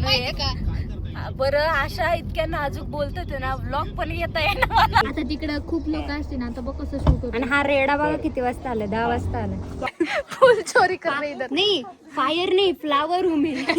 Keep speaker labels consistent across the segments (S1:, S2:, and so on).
S1: चालू आहे का बरं. अशा इतक्या नाजूक बोलतात ना, व्लॉग पण येता येणार मला.
S2: आता तिकडे खूप लोक असते ना, आता बघ कसं शूट होतं.
S3: आणि हा रेडा बघा किती वाजता आला, 10 वाजता आला.
S1: फुल चोरी कर रही इधर.
S3: नाही फायर नाही, फ्लावर रूम आहे.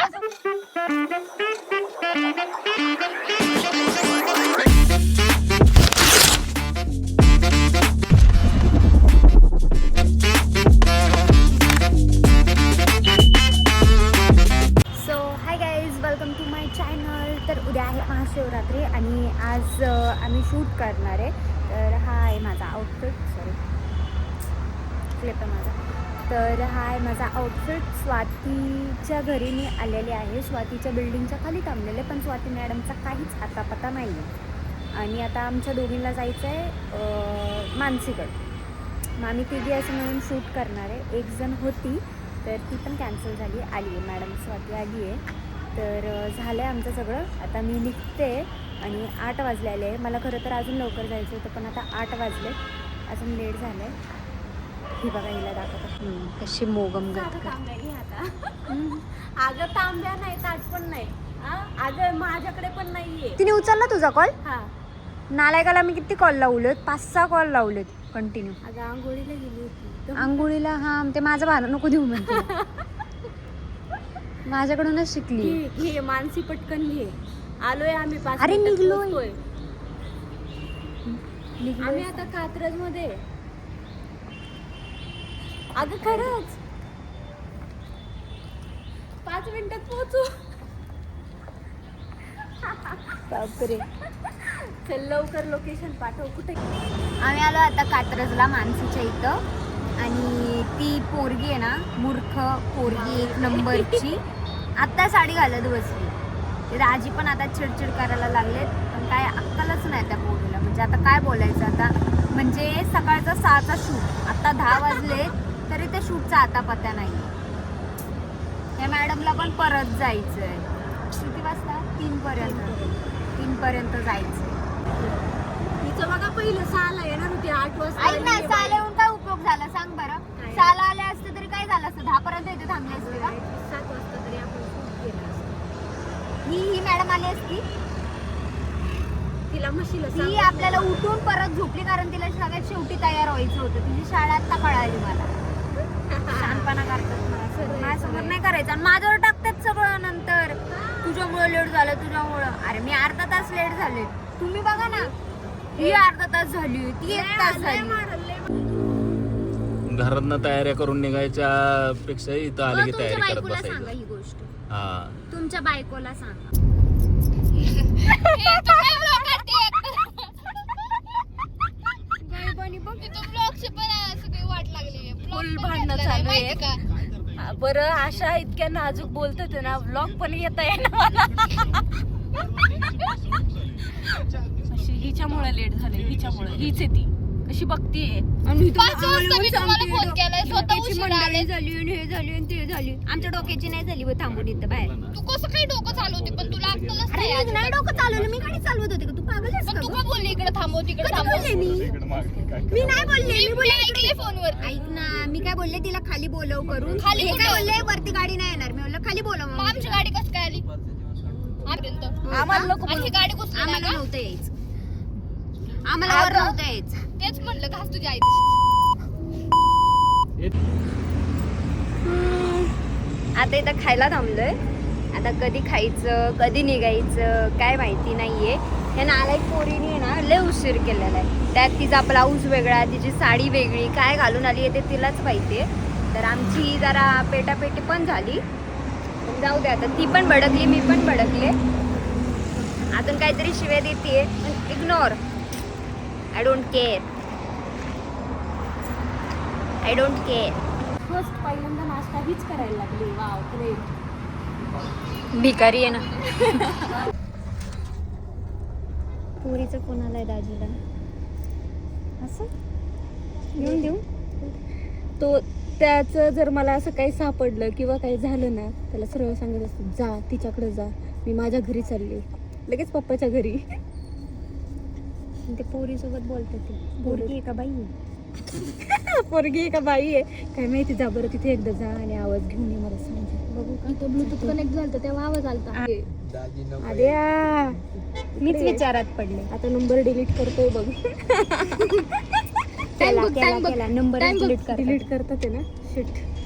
S3: Welcome to my channel. तर उद्या आहे महाशिवरात्री आणि आज आम्ही शूट करणार आहे. तर हा आहे माझा आउटफिट, क्लिप आहे माझा. तर हा आहे माझा आउटफिट. स्वातीच्या घरी मी आलेले आहे. स्वातीच्या बिल्डिंगच्या खाली थांबलेले, पण स्वाती मॅडमचा काहीच आता पत्ता नाही आहे. आणि आता आमच्या दोघींना जायचं आहे मानसीकडं. मग आम्ही तिघी असं म्हणून शूट करणार आहे. एक जण होती तर ती पण कॅन्सल झाली, आली आहे मॅडम, स्वाती आली आहे. तर झालं आहे आमचं सगळं. आता मी निघते आणि 8 वाजलेले आहे. मला खरं तर अजून लवकर जायचं होतं, पण आता 8 वाजले, अजून लेट झालं आहे. ही बघा, हिला दाखवतात कशी मोगम
S1: आता अगं तांब्या नाही, ताट पण नाही. अगं माझ्याकडे पण नाहीये.
S3: तिने उचलला तुझा कॉल?
S1: हा.
S3: नालायकाला मी किती कॉल लावलेत, 5-6 कॉल लावलेत कंटिन्यू.
S1: अगं आंघोळीला गेली होती.
S3: आंघोळीला? हा, ते माझं भाडं नको देऊ म्हणते. माझ्याकडूनच शिकली.
S1: घे मानसी, पटकन घे. आलोय आम्ही 5
S3: अरे
S1: मिनिटात
S3: निघलोय.
S1: पोहोचतोय. आम्ही आता कात्रज मध्ये. अगं खरंच 5 मिनिटात पोहोचू.
S3: बापरे.
S1: चल लवकर लोकेशन पाठव. कुठे?
S3: आम्ही आलो आता कात्रजला, मानसीच्या इथं. आणि ती पोरगी आहे ना, मूर्ख पोरगी, 1 नंबरची, आत्ता साडी घालत बसली. ते राजी पण आता चिडचिड करायला लागलेत, पण काय अक्कलच नाही त्या पोरीला. म्हणजे आता काय बोलायचं आता. म्हणजे सकाळचा 6चा शूट, आता 10 वाजले तरी त्या शूटचा आता पत्ता नाही. त्या मॅडमला पण परत जायचं आहे. किती वाजता? 3 पर्यंत जायचं.
S1: तिचं बघा, पहिलं 6ला येणार होती, 8 वाजता.
S3: ऐक ना, 6ला येऊन काय उपयोग झाला सांग बरं. 6ला आले असते तरी काय झालं असतं, 10 पर्यंत इथे थांबले असते का?
S1: 7 वाजता तरी आपण शूट केलं असतं.
S3: ही मॅडम आली असती,
S1: तिला म्हशीला
S3: ती आपल्याला उठून परत झोपली, कारण तिला सगळ्यात शेवटी तयार व्हायचं होतं. तिची शाळा आता कळाली मला. शहाणपणा करतात माझ्यासमोर नाही करायचं, आणि माझ्यावर टाकतात सगळं. नंतर तुझ्यामुळं लेट झालं, तुझ्यामुळं. अरे मी अर्धा तास लेट झाले, तुम्ही बघा ना. ही अर्धा तास झाली, ती 1 तास झाली.
S4: घरातनं तयाऱ्या करून निघायच्या पेक्षा इथं आले की तयारी करत
S3: बायकोला सांगा
S4: बसायचं.
S3: ही गोष्ट,
S4: हा,
S3: तुमच्या बायकोला सांगा.
S1: फुल भांडणं चालू आहे का बरं. अशा इतक्या नाजूक बोलतात ना, व्लॉग पण येता येणार मला. अशी हिच्यामुळे लेट झाले, हिच्यामुळे. हीच आहे ती, कशी बघतीये.
S3: झाली आणि हे झाली आणि ते झाली. आमच्या डोक्याची नाही झाली व थांबून इथं बाहेर.
S2: तू कसं काही डोकं चालवते, पण तुला अक्कलच नाही.
S3: अरे नाही डोकं चालवलं, मी गाडी चालवत होते का? तू पागल आहेस
S2: पण
S3: का
S2: तू
S3: गं?
S2: का बोलली इकडे थांबव, तिकडे
S3: कधी
S2: थांबव?
S3: बोलले मी नाही बोलले. मी
S2: मी
S3: बोलले
S2: ऐकले फोनवर.
S3: ऐक ना, मी काय बोलले तिला खाली बोलव करून.
S2: खाली
S3: हे
S2: कुठं?
S3: काय बोलले, वरती गाडी नाही येणार. मी बोललं खाली बोलव.
S2: मग आमची गाडी कसं काय आली आपर्यंत?
S1: आम्हाला नको
S2: आणि ही गाडी घुसली नाही
S3: आम्हाला
S2: का?
S3: नव्हतं यायचं, आम्हाला वर नव्हतं यायचं.
S2: तेच म्हणलं, घास तुझ्या आई.
S3: आता इथं खायला थांबलोय. आता कधी खायचं, कधी निघायचं काय माहिती नाहीये. ह्या नालायक पोरीने ना लय उशीर केलेला आहे. त्यात तिचा ब्लाऊज वेगळा, तिची साडी वेगळी, काय घालून आली आहे ते तिलाच माहितीये. तर आमची जरा पेटापेटी पण झाली. जाऊ दे, आता ती पण भडकली, मी पण भडकले. अजून काहीतरी शिव्या देते, पण ignore. I don't care, I don't care.
S1: First पहिल्यांदा नाश्ता हीच करायला लागली. Wow, great.
S3: भिकारी आहे ना. पुरीचा फोन आलाय दाजीला, असं घेऊन देऊ.
S1: तो त्याचं जर मला असं काही सापडलं किंवा काही झालं ना, त्याला सरळ सांगत असतो, जा तिच्याकडे जा, मी माझ्या घरी चालले. लगेच पप्पाच्या घरी.
S3: ते पोरीसोबत बोलतात. ते पोरगी आहे का बाई?
S1: पोरगी आहे का बाई आहे काय माहिती. जा बरं तिथे एकदा जा आणि आवाज घेऊन ये मला सांग. बघू का
S2: इथं ब्लूटूथ कनेक्ट झालं तेव्हा आवाज आलता.
S1: आद्या
S3: मीच विचारात पडले.
S1: आता नंबर डिलीट करतोय बघ.
S3: केला
S2: बघ,
S3: केला
S2: time बघ.
S3: केला नंबर
S2: Time बघ.
S1: डिलीट करतात आहे ना. शिट.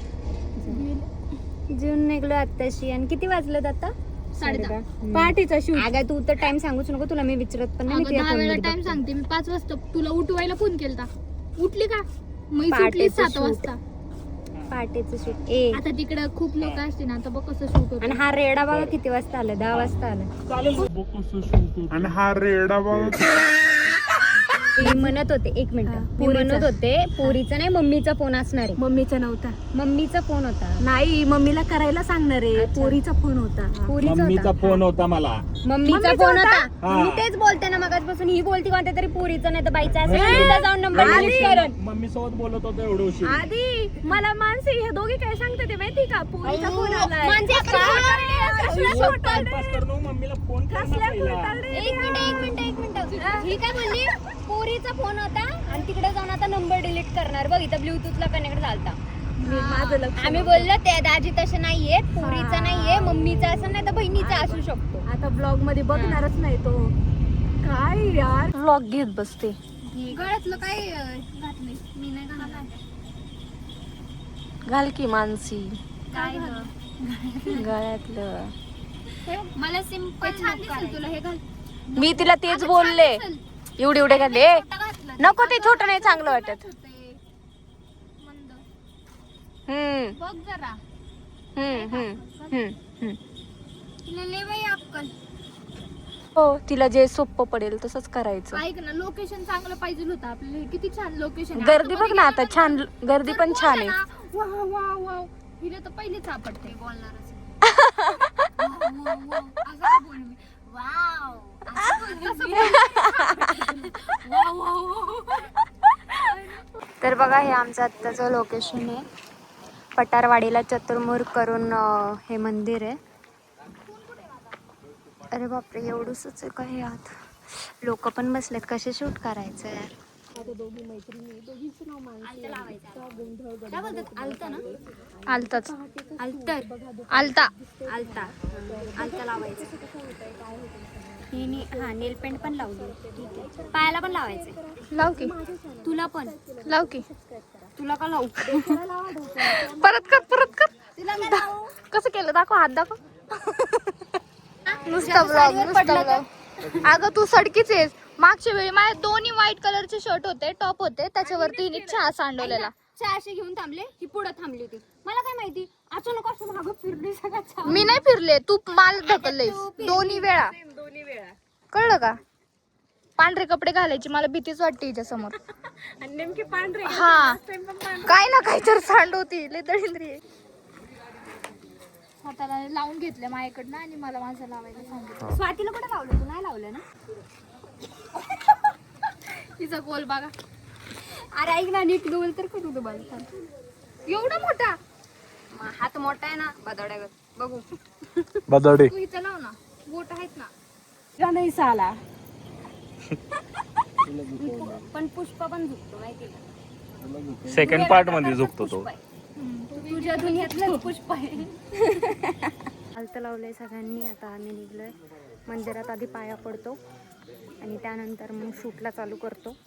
S3: जून निघलो आत्ताशी. आणि किती वाजलेत आता?
S2: 10:30.
S1: पहाटेचा शूट.
S3: अगं तू तर टाइम सांगूच नको. तुला मी विचारत पण नाही. मी
S2: अगं
S3: तुझ्या
S2: 10
S3: phone
S2: वेळा
S3: मध्ये
S2: टाइम
S3: बघते.
S2: सांगते मी. 5 वाजता तुला उठवायला फोन केलता. उठली का? मी
S3: पहाटेचं
S2: सुटली 7
S3: shoot.
S2: वाजता.
S3: पहाटेचं शूट. ए
S2: आता तिकडे खूप लोक असतील ना, आता बघ कसं शूट होतं.
S3: आणि हा रेडा बघा किती वाजता आला. 10 वाजता आला.
S5: आणि हा रेडा बघा.
S3: मी म्हणत होते एक मिनिट. मी म्हणत होते पोरीचा नाही मम्मीचा फोन असणार आहे.
S1: मम्मीचा नव्हता.
S3: मम्मीचा फोन होता.
S1: नाही मम्मीला करायला सांगणार आहे. पोरीचा फोन होता.
S3: पोरीचा
S4: मम्मीचा
S3: होता.
S4: फोन होता मला.
S3: मम्मीचा फोन होता.
S4: हा.
S3: मी तेच बोलते ना मगाचपासून. ही बोलती कोणत्या तरी पोरीचा नाही तर बाईचा असेल. मी तिथं जाऊन नंबर डिलीट करेन.
S4: मम्मी सोबत बोलत होतो एवढं उशीर.
S1: आधी मला मानसी हे दोघे काय सांगते ते माहिती का. पोरीचा फोन आलाय.
S2: म्हणजे
S4: टाइमपास करू मम्मीला फोन कर ना पहिला.
S3: एक मिनिट. ही काय बोलली? पोरीचा फोन होता आणि तिकडे जाऊन आता नंबर डिलीट करणार. बघ इथं ब्लूटूथला कनेक्ट झालता.
S1: माझं लक्ष
S3: आम्ही बोललो ते दाजी तसं नाहीये. पोरीचा नाहीये मम्मीचा असं नाही तर बहिणीचा असू शकतो.
S1: आता ब्लॉग मध्ये बघणारच नाही तो. काय यार ब्लॉग घेत बसते.
S2: गळ्यातलं काय घातलंय? मी नाही घातलं.
S1: घाल की मानसी
S2: काय
S1: गळ्यातलं.
S2: मला सिम्पल छान दिसेल तुला हे घाल.
S1: मी तिला तेच बोलले. एवढे घाले. नको ते छोटं नाही चांगलं वाटत.
S2: बघ जरा तिला लय बाई अक्कल.
S1: हो तिला जे सोपं पडेल तसंच करायचं.
S2: ऐक ना, लोकेशन चांगलं पाहिजे होतं आपल्याला. हे किती छान लोकेशन.
S1: गर्दी बघ ना आता छान. गर्दी पण छान आहे.
S2: वाव हिला तर पहिले सापडते बोलणारच. असं का बोलू मी? वाव
S3: तर बघा हे आमचं आत्ताचं लोकेशन आहे. पटारवाडीला चतुर्मुख करून हे मंदिर आहे. अरे बापरे एवढंच आहे का हे आत. लोक पण बसलेत. कसे शूट करायचं यार.
S2: आलताच आलता
S3: आलता लावायचं. हा नेल पेंट पण लावली. ठीक आहे. पायाला पण लावायचं.
S2: लाव की.
S3: तुला पण
S2: लाव की.
S3: तुला का लावू?
S1: परत कर. कसं केलं दाखव. हात दाखव. नुसता ब्लॉग.
S2: अगं तू सडकीच आहेस. मागच्या वेळी माझे दोन्ही व्हाईट कलरचे शर्ट होते, टॉप होते, त्याच्यावरती हिने चहा सांडवलेला.
S3: चहाशी घेऊन थांबले. ही पुढे थांबली होती. मला काय माहिती अचानक असं मागं फिरली सगळ्यात.
S2: मी नाही फिरले, तू माल ढकललेस दोन्ही वेळा. कळलं का? पांढरे कपडे घालायची मला भीतीच वाटते हिच्या समोर.
S1: नेमके पांढरे.
S2: हा काय ना काय तर सांडवती लय दळिंद्री आहे. हाताला लावून घेतलं माझ्याकडनं आणि मला माझं लावायला सांगितलं.
S3: स्वातीला कुठे लावलं? तू नाही लावलं ना?
S2: तिचा गोल बघा.
S3: अरे ऐक ना नीट गोल तर करू दे मला.
S2: एवढा मोठा
S3: हात मोठा आहे ना बदड्या बघू.
S4: बदडे.
S2: तू इथं लाव ना, बोट आहेत ना.
S1: का नाही साला.
S3: पण पुष्प पण झुकतो माहिती का?
S4: सेकंड पार्ट मध्ये झोपतो तो.
S3: तुझ्या दुनियातलं पुष्प आहे. आलतं लावलंय सगळ्यांनी. आता आम्ही निघलोय मंदिरात. आधी पाया पडतो आणि त्यानंतर मग शूटला चालू करतो.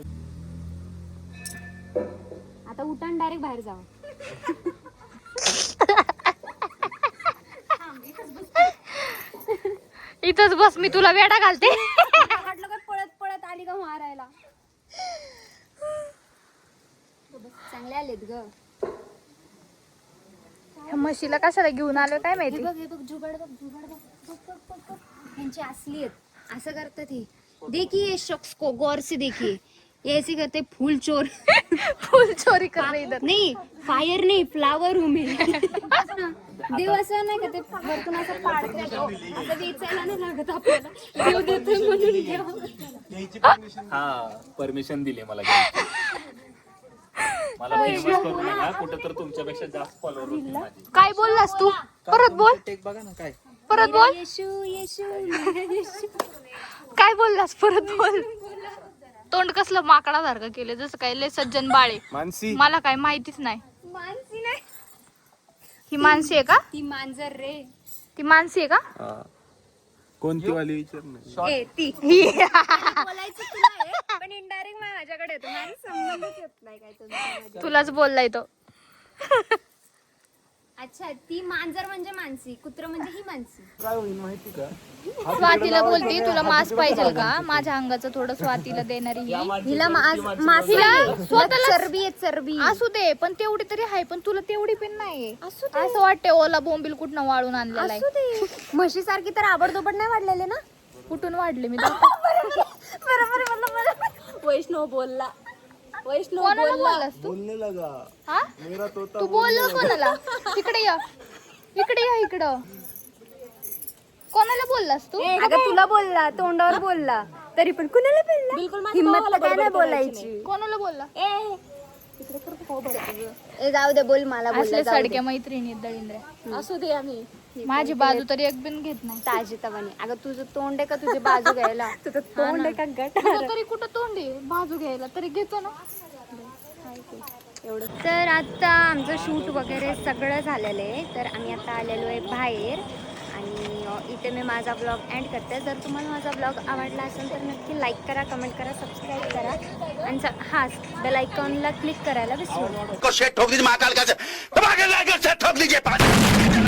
S3: आता उठान डायरेक्ट बाहेर जावं.
S2: इथंच बस, मी तुला वेडा घालते.
S3: वाटलं काय पळत पळत आली का मारायला. चांगले आलेत ग.
S2: म्हशीला कशाला घेऊन आलो काय
S3: हे
S2: माहिती.
S3: बघ जुगाड बघ. यांची असली आहेत. असं करतात ही. देखिए शख्स को गौर से देखिए. ये ऐसे करते फूल चोर.
S2: फुल चोरी कर रही इधर.
S3: नाही फायर नाही फ्लावर हूँ मैं. देव असं नाही का ते वरतून असं पाडतो. असं वेचायला नाही लागत आपल्याला. देव देतोय म्हणून देव.
S4: हा परमिशन दिली मला घ्यायची. मला फेमस करू नका. कुठं तर तुमच्यापेक्षा जास्त फॉलोअर होतील माझे.
S2: काय बोललास तू? परत बोल.
S4: बघा ना काय.
S2: परत बोल.
S3: येशू
S2: काय बोललास? परत बोल. तोंड कसलं माकडासारखं केलं जसं काय लय सज्जन बाळे
S6: मानसी
S2: मला काय माहितीच नाही.
S3: मानसी नाही,
S2: ही मानसी आहे का?
S3: ती मांजर रे.
S2: ती मानसी आहे का?
S6: कोणती वाली विचार नाही.
S3: ए ती बोलायचं तुला आहे, पण इनडायरेक्ट माझ्याकडे येतो. माझा संबंधच येत नाही काय तुमच्या.
S2: तुलाच बोललाय तो.
S3: अच्छा, ती मांजर म्हणजे मानसी, कुत्र म्हणजे ही मानसी.
S6: काय होईल माहिती का?
S2: स्वातीला बोलते तुला मास्क पाहिजे का? माझ्या अंगाचं थोडं स्वातीला देणारी ही.
S3: हिला
S2: हिला स्वतःला
S3: चरबी आहे, चरबी.
S2: असू दे पण तेवढी तरी आहे, पण तुला तेवढी पण नाहीये. असं वाटतंय ओला बोंबील कुठनं वाळून आणलेला आहे.
S3: असू दे, म्हशीसारखी तर आबडधोबड नाही वाढलेले ना.
S2: कुठून वाढले मी?
S3: बरोबर म्हणलं. वैष्णव बोलला, वैष्णव
S2: कोणाला बोललास तू?
S6: बोलने लगा
S2: हा
S6: मेरा तोता.
S2: तू बोललो कोणाला? इकडे या, इकडे या, इकडं. कोणाला बोललास तू?
S3: अगं तुला बोलला, तोंडावर बोलला, तरी पण कुणाला बोलला? हिम्मत तर काय नाही बोलायची.
S2: कोणाला बोलला?
S3: ए जाऊ दे, बोल मला
S2: असले
S3: बोलला.
S2: सडक्या मैत्रिणी दळींद्र.
S1: असू दे आम्ही
S2: माझी बाजू तरी एक बिन घेत नाही.
S3: ताजी तवानी. अगं तुझं तोंड आहे का तुझी बाजू घ्यायला? तुझं तोंड आहे का गट?
S2: तुझं तरी कुठं तोंड आहे बाजू घ्यायला, तरी घेतो ना.
S3: तर आता आमचं शूट वगैरे सगळं झालेलं आहे. तर आम्ही आता आलेलो आहे बाहेर आणि इथे मी माझा ब्लॉग एंड करते. जर तुम्हाला माझा ब्लॉग आवडला असेल तर नक्की लाईक करा, कमेंट करा, सबस्क्राईब करा आणि हां बेल आयकॉनला क्लिक करायला विसरू नका.
S7: को शेट ठोक दीजिए महाकाल का से ठोक दीजिए